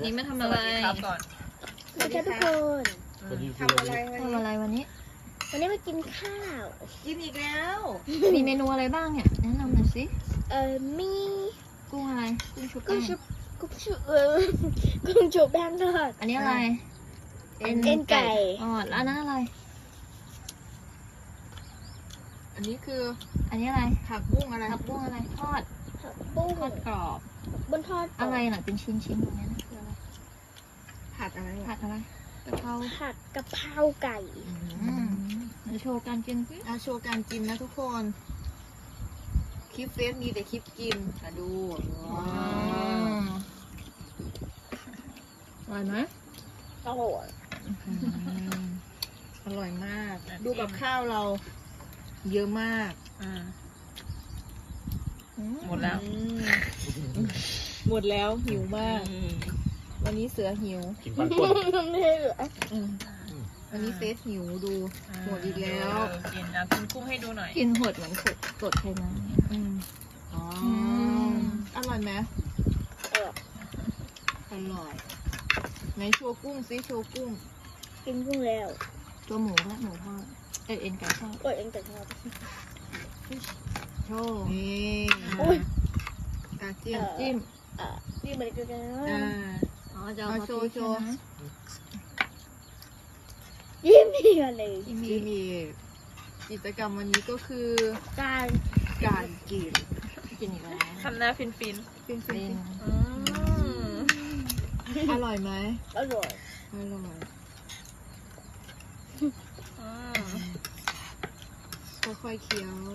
นี่มาทำอะไรครับก่อนสวัสดีครับทุกคนทำอะไรทำอะไรวันนี้วันนี้มากินข้าวกินอีกแล้วมีเมนูอะไรบ้างเนี่ยแนะนำหน่อยสิมีกุ้งอะไรกุ้งชุบกุ้แป้งงชุบกุ้งชุบแป้งทอดอันนี้อะไรเอ็นไก่อ๋อแล้วอันนั้นอะไรอันนี้คืออันนี้อะไรผักบุ้งอะไรผักบุ้งอะไรทอดบุ้งทอดกรอบบนทอดอะไรน่ะเป็นชิ้นๆอย่างนี้ยนะคืออะไรผัดอะไรผัดอะไรกะเพราผัดกะเพราไก่เดี๋ยวโชว์การกินสิโชว์การกินนะทุกคน คลิปเฟซมีแต่คลิปกินมาดูว้าวอร่อยไหมโอ้โหอร่อยมาก ดูกับข้าวเรา เยอะมากหมดแล้วหมดแล้วหิวมาก วันนี้เสือหิวกินปันป่นไม่เหลือวันนี้เฟซหิวดู หมดอีกแล้วกินกินกุ้งให้ดูหน่อยกินหดเหมือนกดไขมันเนี่ยอ๋ออร่อยไหม อร่อยไหนโชว์กุ้งซิโชว์กุ้งกินกุ้งแล้วตัวหมูและหมูทอดเอ็นไก่ทอดกดเองแต่ทอดโชว์นี่อุ๊ยกาเจียมจิ้มนี่เหมือนกันนะอ๋อจะเอาเอาโชว์โชว์ใช่ไหมยิ้มอีกเลยจิ้มที่มีกิจกรรมวันนี้ก็คือการการกินกินอีกแล้วทำหน้าฟินฟินเป็นอร่อยไหมอร่อยอร่อยค่อยๆเคี้ยว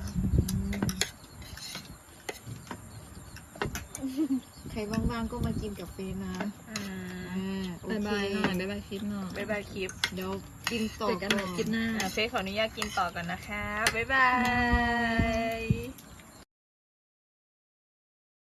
ใครว่างๆก็มากินกับเฟซนะโอเคบายหน่อยบายคลิปหน่อยบ๊ายบายคลิปเดี๋ยวกินต่อเจอกันใหม่คลิปหน้าเฟซขออนุญาตกินต่อกันนะคะ บ๊ายบาย